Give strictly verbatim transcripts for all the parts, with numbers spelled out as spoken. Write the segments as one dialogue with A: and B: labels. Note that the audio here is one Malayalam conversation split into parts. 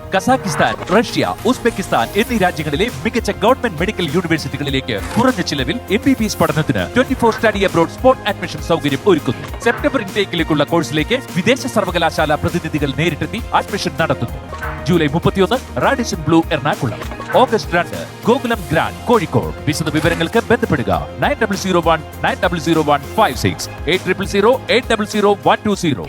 A: കസാക്കിസ്ഥാൻ, റഷ്യ, ഉസ്ബെക്കിസ്ഥാൻ എന്നീ രാജ്യങ്ങളിലെ മികച്ച ഗവൺമെന്റ് മെഡിക്കൽ യൂണിവേഴ്സിറ്റികളിലേക്ക് കുറഞ്ഞ ചിലവിൽ എം ബി ബി എസ് പഠനത്തിന് twenty four study abroad spot admission സൗകര്യം ഒരുക്കുന്നു. സെപ്റ്റംബർ ഇൻടേക്കിലേക്കുള്ള കോഴ്സിലേക്ക് വിദേശ സർവകലാശാല പ്രതിനിധികൾ നേരിട്ടെത്തി അഡ്മിഷൻ നടത്തുന്നു. ജൂലൈ മുപ്പത്തിയൊന്ന് റാഡിസൺ ബ്ലൂ എറണാകുളം, ഓഗസ്റ്റ് രണ്ട് ഗോകുലം ഗ്രാൻഡ് കോഴിക്കോട്. വിശദ വിവരങ്ങൾക്ക് ബന്ധപ്പെടുക nine double zero one nine double zero one five six eight triple zero eight double zero one two zero.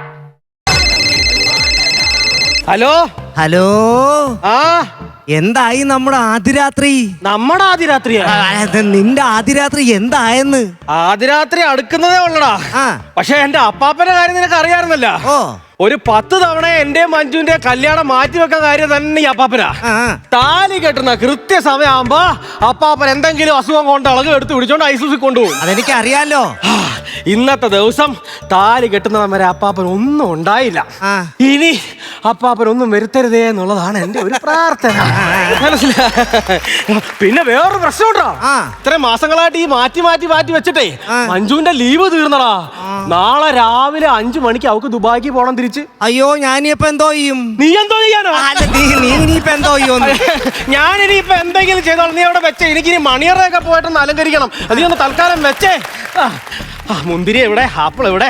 B: Hello
C: hello
B: ആ
C: എന്തായി നമ്മുടെ ആദിരാത്രി?
B: നമ്മുടെ ആദിരാത്രിയാ?
C: അത് നിന്റെ ആദിരാത്രി എന്തായെന്ന്?
B: ആദിരാത്രി അടുക്കുന്നതേ ഉള്ളടാ.
C: ആ
B: പക്ഷെ എന്റെ അപ്പാപ്പന്റെ കാര്യം നിനക്ക് അറിയാറുന്നല്ല.
C: ഓ
B: ഒരു പത്ത് തവണ എന്റെ മഞ്ജുവിന്റെ കല്യാണം മാറ്റി വെക്കാൻ കാര്യം തന്നെ ഈ അപ്പാപ്പനാ.
C: ആ
B: താലി കെട്ടുന്ന കൃത്യസമയം ആകുമ്പോ അപ്പാപ്പൻ എന്തെങ്കിലും അസുഖം കൊണ്ട് അളക് എടുത്ത് പിടിച്ചോണ്ട് ഐസൂസി കൊണ്ടുപോകും.
C: അതെനിക്ക് അറിയാലോ.
B: ഇന്നത്തെ ദിവസം താലി കെട്ടുന്നവൻ വരെ അപ്പാപ്പൻ ഒന്നും ഉണ്ടായില്ല.
C: ആ.
B: ഇനി അപ്പാപ്പൻ ഒന്നും വരുത്തരുതേ എന്നുള്ളതാണ് എന്റെ ഒരു പ്രാർത്ഥന. മനസ്സിലായി? പിന്നെ വേറൊരു പ്രശ്നമുണ്ടോ?
C: ആ.
B: ഇത്രയും മാസങ്ങളായിട്ട് ഈ മാറ്റി മാറ്റി മാറ്റി വെച്ചിട്ടേ
C: ആ.
B: മഞ്ജുവിന്റെ ലീവ് തീർന്നടാ. നാളെ രാവിലെ അഞ്ചു മണിക്ക് അവക്ക് ദുബായിക്ക് പോണം തിരിച്ച്.
C: അയ്യോ ഞാനിപ്പോ എന്തോ ചെയ്യും?
B: നീ എന്തോ ചെയ്യാനോ?
C: അല്ല, നീ നീ ഇനിയിപ്പോ എന്തോ ചെയ്യും?
B: ഞാനിനി ഇപ്പൊ എന്തെങ്കിലും ചെയ്തോളാം. നീ അവിടെ വെച്ചേ. എനിക്കിനി മണിയറയൊക്കെ പോയിട്ടൊന്ന് അലങ്കരിക്കണം. നീ ഒന്ന് തൽക്കാലം വെച്ചേ. ആ, മുന്തിരി എവിടെ? ആപ്പിൾ എവിടെ?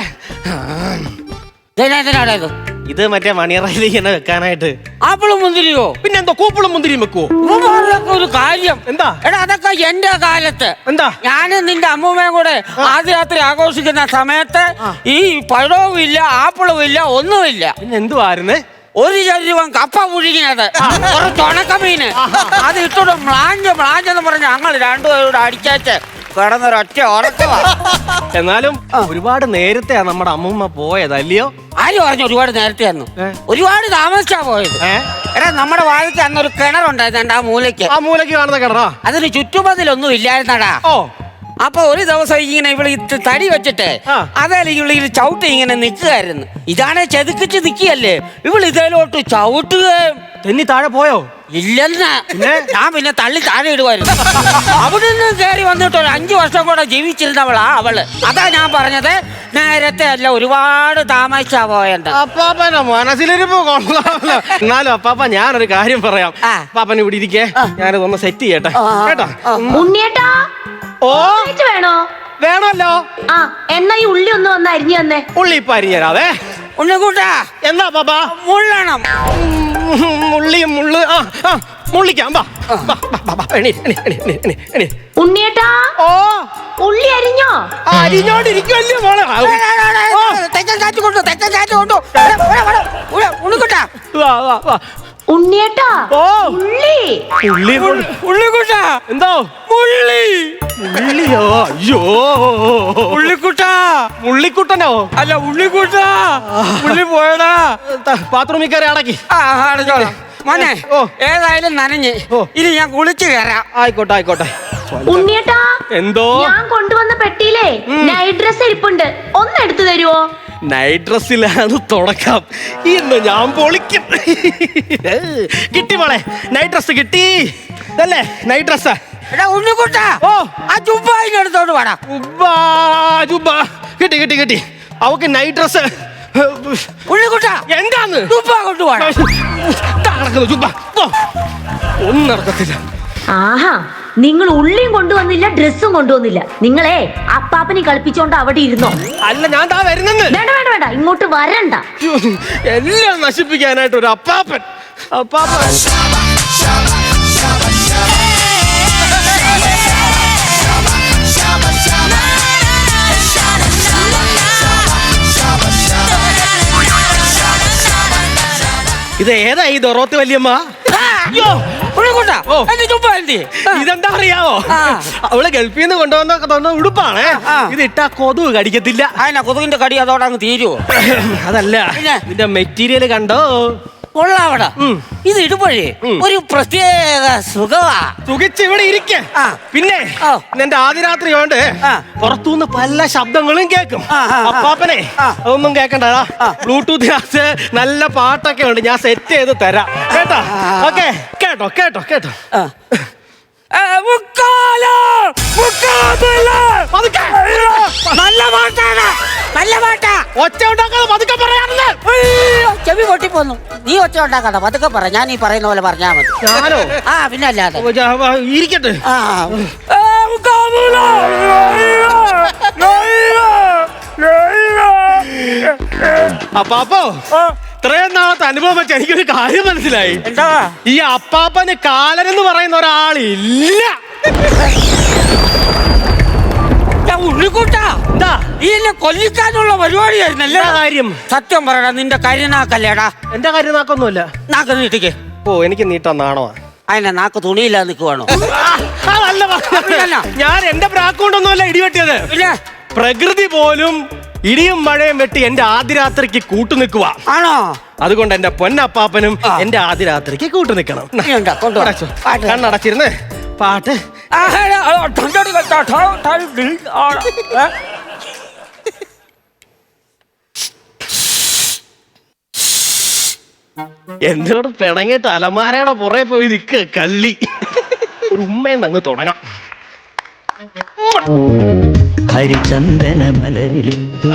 B: ഇത് മറ്റേ മണിയറയിലേക്ക് തന്നെ വെക്കാനായിട്ട്.
D: ആപ്പിളും മുന്തിരിയോ?
B: പിന്നെ എന്തോ കൂപ്പിളും മുന്തിരിയും വെക്കുവോ?
D: ഒരു കാര്യം
B: എന്താ?
D: എടാ അതൊക്കെ എന്റെ കാലത്ത്.
B: എന്താ?
D: ഞാനും നിന്റെ അമ്മൂമ്മയും കൂടെ ആദ്യ രാത്രി ആഘോഷിക്കുന്ന സമയത്ത് ഈ പഴവും ഇല്ല, ആപ്പിളും ഇല്ല, ഒന്നുമില്ല.
B: പിന്നെ എന്തുവായിരുന്നു?
D: ഒരു ശരീരം കപ്പ പുഴുങ്ങിയത്, കുറച്ച് ഉണക്കമീന്, അത് ഇട്ടോട് മ്ലാഞ്ച് മ്ലാഞ്ചെന്ന് പറഞ്ഞ് ഞങ്ങൾ രണ്ടുപേരോട് അടിച്ചാച്ച് കിടന്നൊരൊറ്റ ഉറക്കവാ.
B: എന്നാലും ഒരുപാട് നേരത്തെയാ നമ്മുടെ അമ്മൂമ്മ പോയത് അല്ലയോ?
D: ആര് പറഞ്ഞു ഒരുപാട് നേരത്തെ ആയിരുന്നു? ഒരുപാട് താമസിച്ചാ പോയത്. എടാ നമ്മുടെ വാഴയ്ക്ക് അന്നൊരു കിണറുണ്ടായിരുന്നു ആ മൂലയ്ക്ക്.
B: ആ മൂലയ്ക്ക് കാണുന്ന കിണറാ?
D: അതിന് ചുറ്റുമതിലൊന്നും ഇല്ലായിരുന്നടാ.
B: ഓ.
D: അപ്പൊ ഒരു ദിവസം ഇങ്ങനെ ഇവള് തടി വെച്ചിട്ട് അതേലെ ഇവള് ഇത് ചവിട്ടി ഇങ്ങനെ നിൽക്കുകയായിരുന്നു. ഇതാണെ ചെതുക്കിച്ച് നിൽക്കുകയല്ലേ, ഇവള് ഇതിലോട്ട് ചവിട്ടുകയും.
B: തെന്നി താഴെ പോയോ?
D: ഇല്ലെന്ന്. ഞാൻ പിന്നെ തള്ളി താഴെ ഇടുവായിരുന്നു. അവിടെ നിന്ന് കയറി വന്നിട്ട് ഒരു അഞ്ചു വർഷം കൂടെ ജീവിച്ചിരുന്നവളാ അവള്. അതാ ഞാൻ പറഞ്ഞത് നേരത്തെ അല്ല, ഒരുപാട് താമസിച്ചാ പോയത്.
B: അപ്പാപ്പന മനസ്സിലിരിപ്പ് കൊള്ളാമല്ലോ. എന്നാലും അപ്പാപ്പ ഞാനൊരു കാര്യം പറയാം. അപ്പാപ്പൻ ഇവിടെ ഇരിക്കേ, ഞാനിതൊന്ന് സെറ്റ് ചെയ്യട്ടെ കേട്ടോ.
E: ഉണ്ണിയേട്ടാ
B: ഓ
E: വേണോ?
B: വേണമല്ലോ.
E: ആ എന്നാ ഈ ഉള്ളി ഒന്ന് വന്ന് അരിഞ്ഞു തന്നെ.
B: ഉള്ളി ഇപ്പൊ അരിഞ്ഞരാവേ.
D: ഉണ്ണിക്കൂട്ടാ
B: എന്താ പാപ്പാ?
D: മുള്ളണം.
B: മുള്ളിയും മുള്ളു. ആ ആ മുള്ളിക്കാം. വാ
E: ഉണ്ണിയേട്ടാ
B: ഓ
E: ഉള്ളി അരിഞ്ഞോ?
B: അരിഞ്ഞോണ്ടിരിക്കുവല്ലേ മോളെ.
D: തെക്കൻ കാറ്റ് കൊണ്ടു, തെക്കൻ കാറ്റ് കൊണ്ടു. ഉണ്ണിക്കൂട്ടാ
E: ഉണ്ണിയേട്ടാ
B: ഓ
E: ഉള്ളി
B: ഉള്ളി
D: ഉള്ളിക്കുട്ടാ.
B: എന്തോ
D: മുള്ളി
B: ഉള്ളിയോ? അയ്യോ
D: ഉള്ളിക്കുട്ടാ.
B: മുള്ളിക്കുട്ടനോ?
D: അല്ല ഉള്ളിക്കുട്ടാ. ഉള്ളി പോയടാ.
B: ബാത്റൂമിൽ കയറി അടക്കി.
D: ആ അടച്ചോളാം മോനെ.
B: ഓ
D: ഏതായാലും നനഞ്ഞ് ഇനി ഞാൻ കുളിച്ചു കയറാം.
B: ആയിക്കോട്ടെ ആയിക്കോട്ടെ.
E: ഉണ്ണിയേട്ടാ
B: എന്തോ?
E: ഞാൻ കൊണ്ടുവന്ന പെട്ടിയിലേ നൈറ്റ് ഡ്രസ് ഇരിപ്പുണ്ട്, ഒന്ന് എടുത്തു തരുവോ?
B: നൈറ്റ് ഡ്രസ്സിലാണ് തുടക്കം. ഇന്ന് ഞാൻ പൊളിക്കും. കിട്ടി മോളെ, നൈറ്റ് ഡ്രസ് കിട്ടി അല്ലേ? നൈറ്റ് ഡ്രസ്സാ.
D: എടാ ഉണ്ണിക്കുട്ടാ,
B: ഓ
D: ആ ജുബ്ബായിന്റെ അടുത്തോട്ട് വേണം.
B: കിട്ടി കിട്ടി കിട്ടി. അവക്ക് നൈറ്റ് ഡ്രസ്.
D: ഉണ്ണിക്കുട്ടാ
B: എന്താന്ന്?
D: ജുബ്ബ കൊണ്ടുപോകണം.
B: ഒന്നും നടക്കത്തില്ല.
E: ആഹാ, നിങ്ങൾ ഉള്ളിയും കൊണ്ടുവന്നില്ല, ഡ്രസ്സും കൊണ്ടുവന്നില്ല. നിങ്ങളെ അപ്പാപ്പനെ കളിപ്പിച്ചോണ്ട് അവിടെ ഇരുന്നോ.
B: അല്ല ഞാൻ താ വരുന്നെന്ന്.
E: വേണ്ട വേണ്ട വേണ്ട, ഇങ്ങോട്ട് വരണ്ട.
B: എല്ലാം നശിപ്പിക്കാനായിട്ട് ഒരു അപ്പാപ്പൻ. അപ്പാപ്പൻ ഇത് ഏതാ ഈ ദൊറോത്ത് വല്യമ്മ? ഇതെന്താ അറിയാവോ? അവള് ഗൾഫിൽ നിന്ന് കൊണ്ടുവന്ന തന്ന ഉടുപ്പാണ്. ഇത് ഇട്ടാ കൊതുക് കടിക്കത്തില്ല.
D: കൊതുകിന്റെ കടി അതോടെ അങ്ങ് തീരുവോ?
B: അതല്ല, ഇതിന്റെ മെറ്റീരിയൽ കണ്ടോ?
D: കൊള്ളാവട. ഇത് ഇടുമ്പോഴേ ഒരു പ്രത്യേക സുഖമാ.
B: സുഖിച്ച് ഇവിടെ ഇരിക്ക. പിന്നെ എന്റെ ആദ്യ രാത്രി കൊണ്ട് പുറത്തുനിന്ന് പല ശബ്ദങ്ങളും കേൾക്കും. അപ്പാപ്പനെ അതൊന്നും കേക്കണ്ടടാ. ബ്ലൂടൂത്തിനകത്ത് നല്ല പാട്ടൊക്കെ ഉണ്ട്, ഞാൻ സെറ്റ് ചെയ്ത് തരാം കേട്ടോ. ഓക്കെ കേട്ടോ കേട്ടോ കേട്ടോ.
D: മുക്കാലോ
B: പതുക്കെ.
D: നല്ല പാട്ടാണ്, നല്ല പാട്ടാ.
B: ഒച്ച ഉണ്ടാക്കാതെ പതുക്കെ പറയാറുണ്ട്.
D: അയ്യോ, ചെവി പൊട്ടിപ്പോന്നു. നീ ഒച്ച ഉണ്ടാക്കാതെ പതുക്കെ പറ, ഞാൻ ഈ പറയുന്ന പോലെ പറഞ്ഞാ മതി.
B: ഞാനോ?
D: ആ പിന്നെ അല്ലാതെ.
B: ഓ, ജാ, വാ, ഇരിക്കട്ടെ.
D: ആ
B: അപ്പാപ്പോ ഇത്രയും നാളത്തെ അനുഭവം വെച്ച് എനിക്കൊരു കാര്യം മനസ്സിലായി.
D: എന്താ?
B: ഈ അപ്പാപ്പന് കാലനെന്ന് പറയുന്ന ഒരാളില്ല.
D: ഉള്ളിക്കൂട്ടാ,
B: എന്താ
D: ഈ എന്നെ കൊല്ലിക്കാനുള്ള പരിപാടിയായിരുന്നല്ലേ?
B: എന്താ കാര്യം?
D: സത്യം പറയടാ, നിന്റെ കരിനാക്കല്ലേടാ?
B: എന്റെ കാര്യം നാക്കൊന്നുമല്ല.
D: നാക്ക് നീട്ടിക്ക്.
B: ഓ, എനിക്ക് നീട്ടാൻ നാണമാ.
D: അതിന്റെ നാക്ക് തുണിയില്ലാതെ നിൽക്കുവാണോ?
B: അതല്ല പറഞ്ഞത്. ഞാൻ എന്റെ പ്രാക്കൊണ്ടൊന്നുമല്ല ഇടിവെട്ടിയത്.
D: പിന്നെ
B: പ്രകൃതി പോലും ഇടിയും മഴയും വെട്ടി എന്റെ ആദ്യരാത്രിക്ക് കൂട്ടു നിൽക്കുക.
D: ആണോ?
B: അതുകൊണ്ട് എന്റെ പൊന്നപ്പാപ്പനും എന്റെ ആദ്യരാത്രിക്ക് കൂട്ടു നിൽക്കണം.
D: നീയുണ്ടോ? കൊണ്ടുവാ. പാട്ട്.
B: കണ്ണടച്ചിരുന്ന് പാട്ട്. എന്നോട് പിണങ്ങിട്ട് അലമാരയുടെ പുറകെ പോയി നിൽക്ക് കള്ളി. ഒരു ഉമ്മയെന്ന് അങ്ങ് തുടങ്ങാം.
F: ഹരിചന്ദന മലരിൽ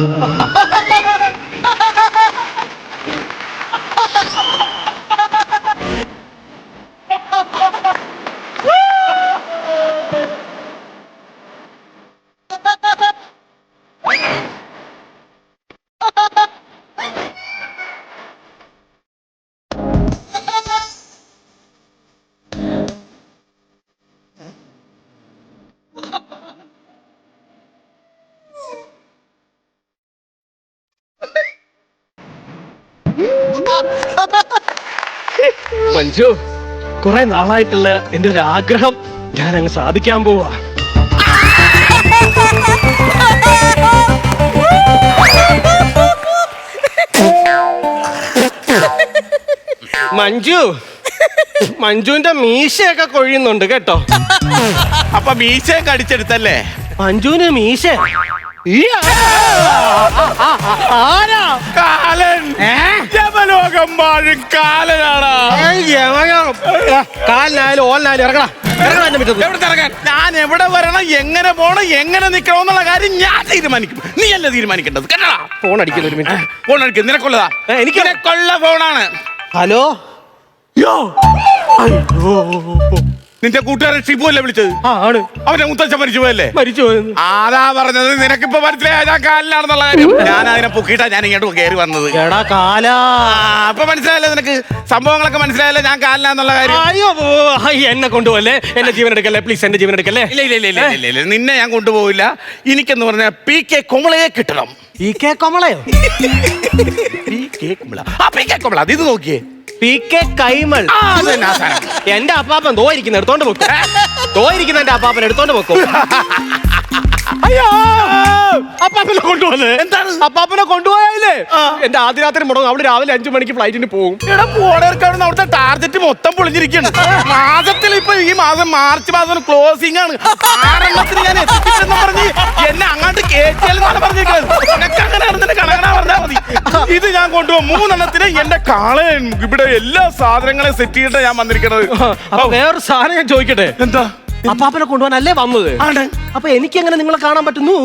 B: മഞ്ജു, കുറെ നാളായിട്ടുള്ള എന്റെ ഒരു ആഗ്രഹം ഞാൻ അങ്ങ് സാധിക്കാൻ പോവാ. മഞ്ജു, മഞ്ജുവിന്റെ മീശയൊക്കെ കൊഴിയുന്നുണ്ട് കേട്ടോ.
G: അപ്പൊ മീശയൊക്കെ അടിച്ചെടുത്തല്ലേ?
B: മഞ്ജുവിന് മീശ ആരാ?
G: കാലൻ. ജപലോകം വാഴും കാലനാണ്.
B: കാലിനായാലും ഓലിനായാലും ഇറങ്ങടാ, ഇറങ്ങടാ എന്റെ മുറ്റത്ത്.
G: എവിടെ ഇറങ്ങാൻ? ഞാൻ എവിടെ വരണം, എങ്ങനെ പോണം, എങ്ങനെ നിക്കണം എന്നുള്ള കാര്യം ഞാൻ തീരുമാനിക്കും. നീ അല്ല തീരുമാനിക്കേണ്ടത്. കേട്ടടാ?
B: ഫോൺ അടിക്കുന്നു ഒരു മിനിറ്റ്.
G: ഫോൺ അടിക്കും. നിനക്കുള്ളതാ?
B: എനിക്ക്
G: നിനക്കുള്ള ഫോണാണ്.
B: ഹലോ.
G: നിന്റെ കൂട്ടുകാരൻ ഷിബു അല്ലേ വിളിച്ചത്?
B: ആ ആണ്.
G: അവന്റെ മുത്തച്ഛൻ മരിച്ചു പോയല്ലേ?
B: മരിച്ചു പോയെന്ന്.
G: അതാ പറഞ്ഞത്. നിനക്കിപ്പോ മനസ്സിലായ ഞാൻ കാലിലാണെന്നുള്ള കാര്യം. ഞാൻ അതിനെ പൊക്കിയിട്ടാ ഞാൻ ഇങ്ങോട്ട് കയറി വന്നത്.
B: എടാ കാലാ,
G: അപ്പൊ മനസ്സിലായല്ലോ നിനക്ക്? സംഭവങ്ങളൊക്കെ മനസ്സിലായല്ലോ ഞാൻ കാലിലാന്നുള്ള കാര്യം.
B: അയ്യോ എന്നെ കൊണ്ടുപോകല്ലേ, എന്റെ ജീവൻ എടുക്കല്ലേ പ്ലീസ്, എന്റെ ജീവൻ എടുക്കല്ലേ.
G: ഇല്ല ഇല്ല ഇല്ല ഇല്ല ഇല്ല നിന്നെ ഞാൻ കൊണ്ടുപോകില്ല. എനിക്കെന്ന് പറഞ്ഞാൽ പി കെ കുമളയെ കിട്ടണം.
B: പി കെ കമളയോ?
G: P K Kumala. ആ പി കെ കുമള. അത് ഇത് നോക്കിയേ.
B: P K Kaimal.
G: ആ, അത് തന്നെ ആ സാധനം.
B: എന്റെ അപ്പാപ്പൻ ദോ ഇരിക്കുന്ന എടുത്തോണ്ട് പോക്കും. ദോ ഇരിക്കുന്ന എന്റെ അപ്പാപ്പൻ എടുത്തോണ്ട് പോക്കും. അയ്യോ, അപ്പാപ്പനെ കൊണ്ടുപോകുന്നത് എന്താണ്? അപ്പാപ്പനെ കൊണ്ടുപോയാലേ എന്റെ ആദ്യ രാത്രി മുടങ്ങും. അവിടെ രാവിലെ അഞ്ചു മണിക്ക് ഫ്ലൈറ്റിന് പോകും.
G: എടാ പോടേർക്കാണ് അവിടുത്തെ ടാർഗറ്റ് മൊത്തം പൊളിഞ്ഞിരിക്കുകയാണ്. മാസത്തിൽ ഇപ്പൊ ഈ മാസം മാർച്ച് മാസം ക്ലോസിംഗ് ആണ്. ആറെണ്ണത്തിന് ഞാൻ എത്തിച്ചെന്ന് പറഞ്ഞ് എന്നെ അങ്ങോട്ട് കേറ്റിയാലെന്നാണ് പറഞ്ഞിരിക്കുന്നത്. നിനക്ക് അങ്ങനെയാണ് നിന്റെ കണക്കണ പറഞ്ഞാൽ മതി. ഇത് ഞാൻ കൊണ്ടുപോകും. മൂന്നെണ്ണത്തിന് എന്റെ കാളൻ ഇവിടെ എല്ലാ സാധനങ്ങളെയും സെറ്റ് ചെയ്തിട്ട് ഞാൻ വന്നിരിക്കുന്നത്.
B: അപ്പൊ വേറൊരു സാധനം ഞാൻ ചോദിക്കട്ടെ.
G: എന്താ?
B: അപ്പാപ്പനെ കൊണ്ടുപോകാനല്ലേ വന്നത്?
G: ആണ്.
B: അപ്പൊ എനിക്ക് എങ്ങനെ നിങ്ങളെ കാണാൻ പറ്റുന്നു?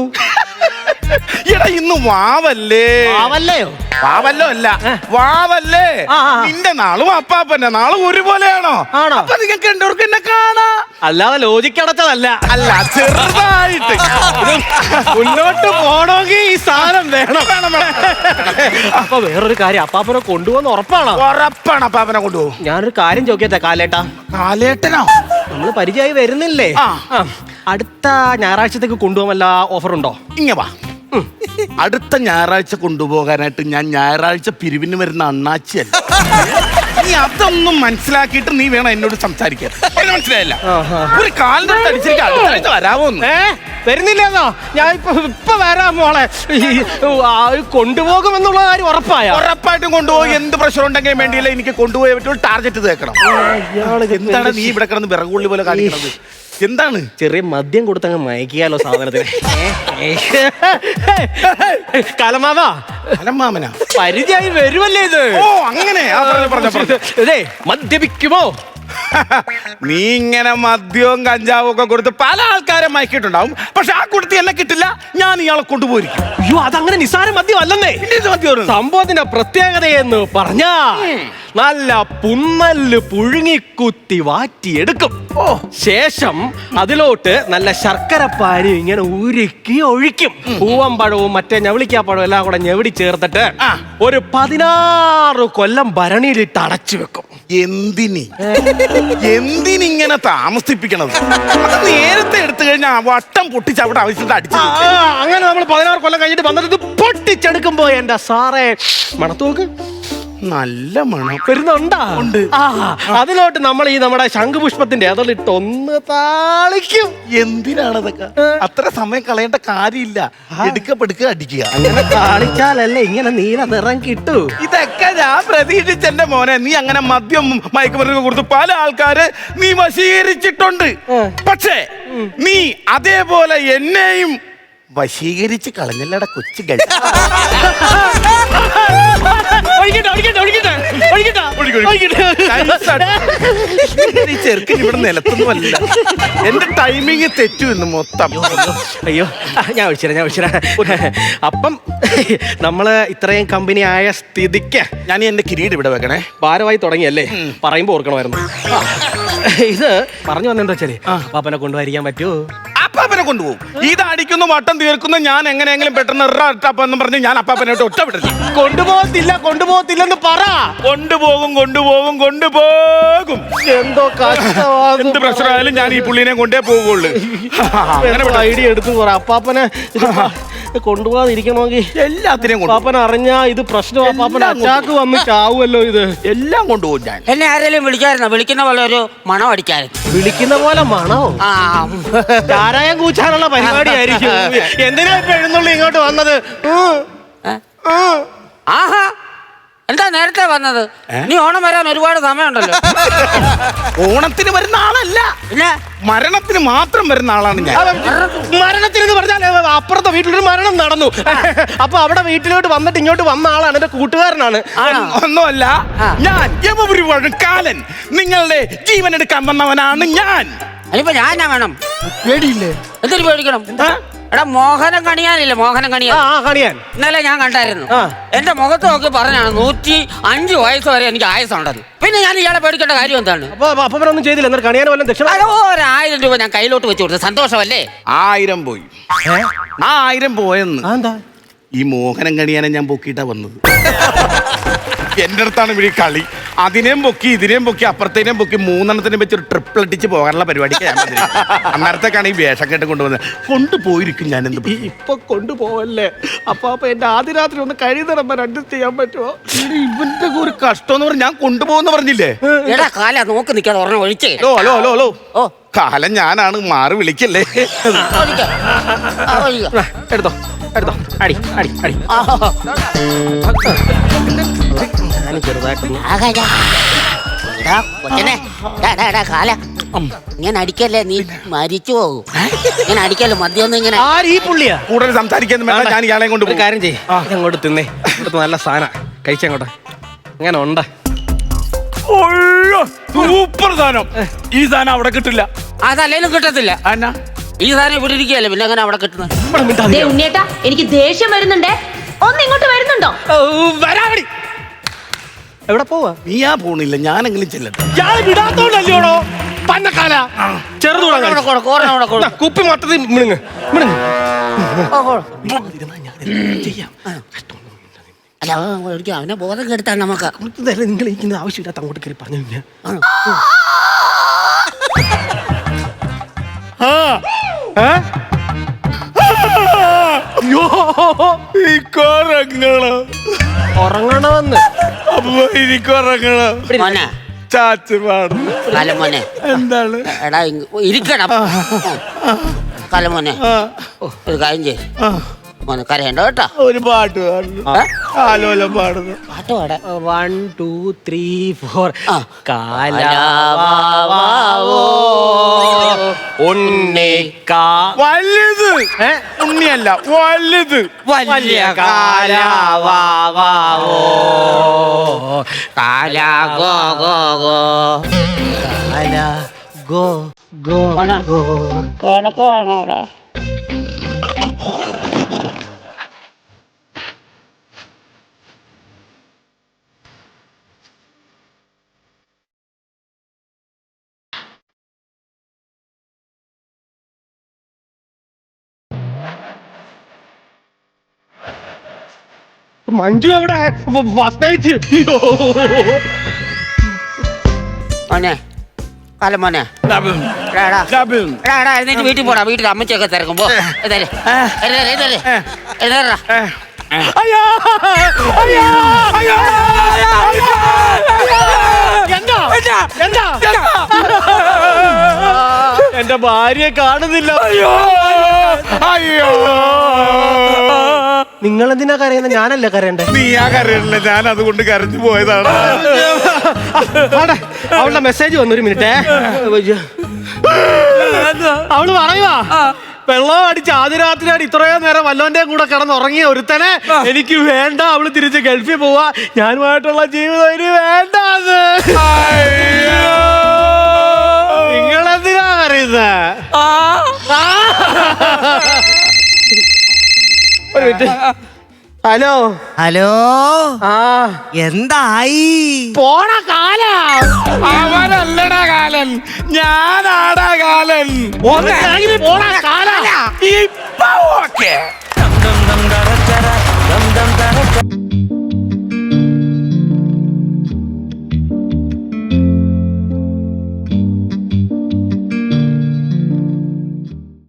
G: എടാ ഇന്ന് വാവല്ലേ?
B: ആവല്ലയോ?
G: വാവല്ലോ അല്ല, വാവല്ലേ?
B: ആ, ആ.
G: നിന്റെ നാളും അപ്പാപ്പന്റെ നാളും ഒരുപോലെയാണോ?
B: ആണോ?
G: അപ്പൊ നിങ്ങൾക്ക് രണ്ടുപേർക്ക് എന്നെ കാണാ.
B: അല്ലാതെ ലോജിക്ക് അടച്ചതല്ല.
G: അല്ല, ചെറുതായിട്ട്
B: മുന്നോട്ട് പോണമെങ്കിൽ ഈ സാധനം വേണം. അപ്പൊ വേറൊരു കാര്യം, അപ്പാപ്പനെ കൊണ്ടുപോകുന്ന ഉറപ്പാണോ?
G: ഉറപ്പാണ് അപ്പാപ്പനെ കൊണ്ടുപോകും.
B: ഞാനൊരു കാര്യം ചോദിക്കട്ടെ കാലേട്ടാ.
G: കാലേട്ടനോ?
B: നമ്മള് പരിചയമായി വരുന്നില്ലേ?
G: ആ.
B: ആ. അടുത്ത ഞായറാഴ്ചത്തേക്ക് കൊണ്ടുപോകാൻ വല്ല ഓഫർ ഉണ്ടോ?
G: ഇങ്ങ വാ. അടുത്ത ഞായറാഴ്ച കൊണ്ടുപോകാനായിട്ട് ഞാൻ ഞായറാഴ്ച പിരിവിന് വരുന്ന അണ്ണാച്ചിയല്ല. നീ അതൊന്നും മനസ്സിലാക്കിയിട്ട് നീ വേണം എന്നോട് സംസാരിക്കാൻ. മനസ്സിലായില്ല? ഒരു കാലിന്റെ അടിച്ചിരിക്കും. അടുത്ത ആഴ്ച വരാമോന്ന്.
B: ഏ വരുന്നില്ലെന്നോ? ഞാൻ ഇപ്പൊ ഇപ്പൊ വരാം മോളെ. കൊണ്ടുപോകുമെന്നുള്ള കാര്യം ഉറപ്പായ?
G: ഉറപ്പായിട്ടും കൊണ്ടുപോയി. എന്ത് പ്രശ്നം ഉണ്ടെങ്കിലും വേണ്ടിയില്ല, എനിക്ക് കൊണ്ടുപോയി പറ്റും. ടാർഗറ്റ് തേക്കണം. എന്താണ് നീ ഇവിടെ കിടന്ന് വിറകുള്ളി പോലെ കാണിക്കുന്നത്? എന്താണ്?
B: ചെറിയ മദ്യം കൊടുത്തങ്ങ് മയക്കിയാലോ സാധനത്തിന്. കലമാവാ
G: അലമാമനാ
B: പരിചയമായി വരുമല്ലേ ഇത്?
G: ഓ അങ്ങനെ.
B: ഇതേ മദ്യപിക്കുമോ?
G: നീ ഇങ്ങനെ മദ്യവും കഞ്ചാവും ഒക്കെ കൊടുത്ത് പല ആൾക്കാരെ മയക്കിയിട്ടുണ്ടാവും. പക്ഷെ ആ കൂട്ടത്തിൽ എന്നെ കിട്ടില്ല. ഞാൻ ഇയാളെ കൊണ്ടുപോയിരിക്കും.
B: അയ്യോ അതങ്ങനെ നിസാര മദ്യം അല്ലെന്നേ. സംഭവത്തിന്റെ പ്രത്യേകത എന്ന് പറഞ്ഞാ നല്ല പുന്നല്ല് പുഴുങ്ങിക്കുത്തി വാറ്റിയെടുക്കും. ഓ ശേഷം അതിലോട്ട് നല്ല ശർക്കര പാനി ഇങ്ങനെ ഉരുക്കി ഒഴിക്കും. പൂവമ്പഴവും മറ്റേ ഞവളിക്കാപ്പഴവും എല്ലാം കൂടെ ഞെവിടി ചേർത്തിട്ട് ഒരു പതിനാറ് കൊല്ലം ഭരണിയിലിട്ട് അടച്ചു വെക്കും.
G: എന്തിനി എന്തിനിങ്ങനെ താമസിപ്പിക്കണത്? അത് നേരത്തെ എടുത്തു കഴിഞ്ഞാൽ വട്ടം പൊട്ടിച്ച് അവിടെ ആവശ്യത്തിന് അടിച്ചു.
B: അങ്ങനെ നമ്മൾ പതിനാറ് കൊല്ലം കഴിഞ്ഞിട്ട് വന്നിട്ട് ഇത് പൊട്ടിച്ചെടുക്കുമ്പോ എന്റെ സാറേ മണത്ത് നോക്ക്,
G: നല്ല മണം
B: വരുന്നുണ്ടാ. ആ അതിലോട്ട് നമ്മൾ ഈ നമ്മുടെ ശംഖുപുഷ്പത്തിന്റെ അതിലിട്ട് ഒന്ന് താളിക്കും.
G: എന്തിനാണ് അതൊക്കെ? അത്ര സമയം കളയേണ്ട കാര്യമില്ല. എടുക്കപ്പെടുക്കുക അടിക്കുക.
B: അങ്ങനെ താളിച്ചാലല്ലേ ഇങ്ങനെ നീല നിറം കിട്ടൂ.
G: ഇതൊക്കെ ഞാൻ പ്രതീക്ഷിച്ചെന്റെ മോനെ. നീ അങ്ങനെ മദ്യം മയക്കുമരുന്ന് കൊടുത്ത് പല ആൾക്കാര് നീ വശീകരിച്ചിട്ടുണ്ട്. പക്ഷേ നീ അതേപോലെ എന്നെയും വശീകരിച്ച് കളഞ്ഞല്ലട കൊച്ചു ഗൾ. ചെറുക്കൻ ഇവിടെ നിലത്തൊന്നുമല്ല. എന്റെ ടൈമിങ് തെറ്റു ഇന്ന് മൊത്തം.
B: അയ്യോ ഞാൻ വിളിച്ചിരാ ഞാൻ വിളിച്ചിരാ അപ്പം നമ്മള് ഇത്രയും കമ്പനി ആയ സ്ഥിതിക്ക്
G: ഞാൻ എന്റെ കിരീട് ഇവിടെ വെക്കണേ.
B: ഭാരമായി തുടങ്ങിയല്ലേ, പറയുമ്പോ ഓർക്കണമായിരുന്നു. ഇത് പറഞ്ഞു വന്നെന്താ വെച്ചാല് പാപ്പനെ കൊണ്ടുവരിക്കാൻ പറ്റുമോ?
G: അപ്പാപ്പനെ കൊണ്ടുപോകും. ഇത് അടിക്കുന്നു വട്ടം തീർക്കുന്നു. ഞാൻ എങ്ങനെയെങ്കിലും പെട്ടെന്ന് എന്ന് പറഞ്ഞ് ഞാൻ അപ്പാപ്പനോട്ട് ഒറ്റ വിട്ടില്ല.
B: കൊണ്ടുപോകത്തില്ല കൊണ്ടുപോകത്തില്ലെന്ന് പറ.
G: കൊണ്ടുപോകും കൊണ്ടുപോകും കൊണ്ടുപോകും.
B: എന്തോ
G: എന്ത് പ്രശ്നമായാലും ഞാൻ ഈ പുള്ളിനെ കൊണ്ടേ പോകുള്ളൂ.
B: ഐഡിയ എടുത്തു പറ. അപ്പാപ്പനെ കൊണ്ടുപോകാതിരിക്കണമെങ്കിൽ
G: എല്ലാത്തിനെയും
B: പാപ്പൻ അറിഞ്ഞാ ഇത് പ്രശ്നമാണ്. പാപ്പൻ അറ്റാക്ക് വന്ന് ചാവുമല്ലോ. ഇത്
G: എല്ലാം കൊണ്ടുപോകും ഞാൻ.
D: എന്നെ ആരെങ്കിലും വിളിക്കായിരുന്നോ? വിളിക്കുന്ന പോലെ ഒരു മണം അടിക്കായിരുന്നു.
B: വിളിക്കുന്ന പോലെ മണോ?
D: ആ
B: ചാരായം കൂച്ചാനുള്ള പരിപാടിയായിരിക്കും. എന്തിനാ ഇപ്പൊ എഴുന്നള്ളി ഇങ്ങോട്ട് വന്നത്?
D: ആഹാ എന്താ നേരത്തെ വന്നത്? നീ ഓണം വരാൻ ഒരുപാട് സമയമുണ്ടല്ലോ.
G: ഓണത്തിന് വരുന്ന ആളല്ല,
D: പിന്നെ
G: മരണത്തിന് മാത്രം വരുന്ന ആളാണ് ഞാൻ.
B: മരണത്തിന് പറഞ്ഞാൽ അപ്പുറത്തെ വീട്ടിലൊരു മരണം നടന്നു. അപ്പൊ അവിടെ വീട്ടിലോട്ട് വന്നിട്ട് ഇങ്ങോട്ട് വന്ന ആളാണ്, എന്റെ കൂട്ടുകാരനാണ്.
G: ഒന്നുമല്ല, ഞാൻ യമപുരി കാലൻ നിങ്ങളുടെ ജീവൻ എടുക്കാൻ വന്നവനാണ് ഞാൻ.
D: അതിപ്പോ ഞാൻ ഞാൻ വേണം
G: പേടിയില്ലേ?
D: എന്തൊരു പേടിക്കണം? എടാ മോഹനം കണിയാനില്ലേ? മോഹനം കണിയാൻ
B: കണിയാൻ
D: ഇന്നലെ ഞാൻ കണ്ടായിരുന്നു. എന്റെ മുഖത്ത് നോക്കി പറഞ്ഞാണ് നൂറ്റി അഞ്ച് വയസ്സ് വരെ എനിക്ക് ആയുസുണ്ടെന്ന്. പിന്നെ ഞാൻ ഇയാളെ പേടിക്കേണ്ട കാര്യം എന്താണ്?
B: അപ്പൊ അപ്പനൊന്നും ചെയ്തില്ല. എന്നാൽ കണിയാൻ വല്ല ദക്ഷിണ
D: ഒരായിരം രൂപ ഞാൻ കയ്യിലോട്ട് വെച്ചു കൊടുത്തു. സന്തോഷമല്ലേ?
G: ആയിരം പോയി. ആ ആയിരം പോയെന്ന്
B: എന്താ
G: ഈ മോഹനം കണിയാനെ ഞാൻ പൊക്കിയിട്ടാ വന്നത്. എന്റെ അടുത്താണ് ഇവിടെ കളി. അതിനെയും പൊക്കി ഇതിനെയും പൊക്കി അപ്പുറത്തേനെയും പൊക്കി മൂന്നെണ്ണത്തിനെ വെച്ച് ഒരു ട്രിപ്പിൾ അടിച്ച് പോകാനുള്ള പരിപാടിക്ക് അന്നേരത്തേക്കാണ് ഈ വേഷം കേട്ട് കൊണ്ടുവന്നത്. കൊണ്ടുപോയിരിക്കും ഞാൻ. എന്ത്
B: ഇപ്പൊ കൊണ്ടുപോവല്ലേ? അപ്പൊ അപ്പൊ എന്റെ ആദ്യ രാത്രി ഒന്ന് കഴിയുന്ന അഡ്ജസ്റ്റ് ചെയ്യാൻ പറ്റുമോ?
G: ഇവന്റെ ഒരു കഷ്ടം എന്ന് പറഞ്ഞ് ഞാൻ കൊണ്ടുപോകുന്ന പറഞ്ഞില്ലേ?
D: എടാ കാല നോക്ക് നിൽക്കാതെ ഓർമ്മ ഒഴിച്ചേ.
G: ഹലോ ഹലോ ഹലോ ഹലോ
D: ഓ
G: കാലം ഞാനാണ്, മാറി വിളിക്കല്ലേ.
B: എടുത്തോ എടുത്തോ അടി അടി അടി. ഞാൻ ചെറുതായിട്ടൊന്ന്
D: കാല ഇങ്ങനെ അടിക്കല്ലേ, നീ മരിച്ചു പോകും. ഇങ്ങനെ അടിക്കല്ലേ മദ്യമൊന്നും ഇങ്ങനെ.
B: ഈ പുള്ളിയാ
G: കൂടുതൽ സംസാരിക്കാൻ വേണ്ട. ഞാൻ ഇയാളെ കൊണ്ട്
B: ഒരു കാര്യം ചെയ്യ്, അങ്ങോട്ട് തിന്നേ. ഇവിടുത്തെ നല്ല സാധന കഴിച്ചങ്ങോട്ടെ. അങ്ങനെ ഉണ്ട്.
G: സൂപ്പർ സാധനം. ഈ സാധനം അവിടെ കിട്ടില്ല.
D: അതല്ലേലും കിട്ടത്തില്ല.
G: എന്നാ
D: ഈ സാധനം ഇവിടെ ഇരിക്കുകയല്ലേ, പിന്നെ അങ്ങനെ അവിടെ കിട്ടുന്നത്?
E: ഉണ്ണിയേട്ടാ എനിക്ക് ദേഷ്യം വരുന്നുണ്ടേ. ഒന്ന് ഇങ്ങോട്ട് വരുന്നുണ്ടോ?
B: വരാടി. എവിടെ പോവാ?
G: നീയാ പോണില്ല, ഞാനെങ്കിലും ചെല്ലട്ടെ.
B: വിടാത്തോണ്ടല്ലോടോ പന്നക്കാല. ചെറുതൂടെ കുപ്പി മൊത്തത്തിൽ മിണുങ്ങ് മിണുങ്ങ്.
D: അല്ല അവനെ ബോധം കെടുത്താണ് നമുക്ക്.
B: നിങ്ങൾ ഇരിക്കുന്ന ആവശ്യമില്ലാത്ത അങ്ങോട്ട് കയറി പറഞ്ഞു കഴിഞ്ഞാൽ ഉറങ്ങണമെന്ന്.
G: അപ്പൊ എനിക്ക് ഉറങ്ങണം.
D: മോനെ
G: ചാച്ചു പാടുന്നു.
D: കലമോനെ
G: എന്താണ്?
D: എടാ ഇരിക്കണം. കലമോനെ ഒരു കാര്യം ചെയ്യ് മോനെ, കരയണ്ട കേട്ടോ.
G: ഒരു പാട്ട് പാടുന്നു. ആലോലം പാടുന്നു.
D: പാട്ട് പാടാ.
B: One two three four. ഉണ്ണിക്കാ
G: വലുത് ഉണ്ണിയല്ല, വലുത്
B: വലിയ കാലാവോ
D: കാലാ ഗോ ഗോ ഗോ
B: അല ഗോ ഗോ ഗോ
D: കിടക്ക് വേണോ അവിടെ?
B: മഞ്ജു എവിടെ ഫസ്റ്റ് നൈറ്റ്
D: മോനെ കാലം മോനെ എടാ, എടാ. എടാ, എടാ, എഴുന്നേറ്റ് വീട്ടിൽ പോടാ. വീട്ടിൽ അമ്മച്ചൊക്കെ തിരക്കും പോ. എഴുന്നേല്. എഴുന്നേല്, എഴുന്നേല്. എഴുന്നേലെടാ.
G: അയ്യോ അയ്യോ അയ്യോ എന്താ എന്താ
B: എന്റെ ഭാര്യയെ കാണുന്നില്ല.
G: അയ്യോ അയ്യോ
B: നിങ്ങൾ എന്തിനാ കരയുന്ന? ഞാനല്ലേ കരയണ്ടേ?
G: നീ ആ കരയല്ലേ, ഞാൻ അതുകൊണ്ട് കരഞ്ഞു പോയതാണ്.
B: ആടെ, അവളുടെ മെസ്സേജ് വന്നു. ഒരു മിനിറ്റ്. അവള് പറയുവാ, വെള്ളം അടിച്ച് ആദ്യരാത്രിയാണ് ഇത്രയും നേരം വല്ലവന്റെ കൂടെ കിടന്നുറങ്ങിയ ഒരുത്തനെ എനിക്ക് വേണ്ട, അവള് തിരിച്ച് ഗൾഫിൽ പോവാ, ഞാനുമായിട്ടുള്ള ജീവിതം ഇനി വേണ്ട. നിങ്ങളെന്തിനാ പറയുന്നത്? ഒരു മിനിറ്റ്. ഹലോ
C: ഹലോ,
B: ആ
C: എന്തായി?
B: പോണ കാല
G: അവനല്ലടാ കാലൻ, ഞാനാടാ കാലൻ.
B: ഒന്ന് പോണ കാല
G: ഇപ്പൊ ഓക്കേ.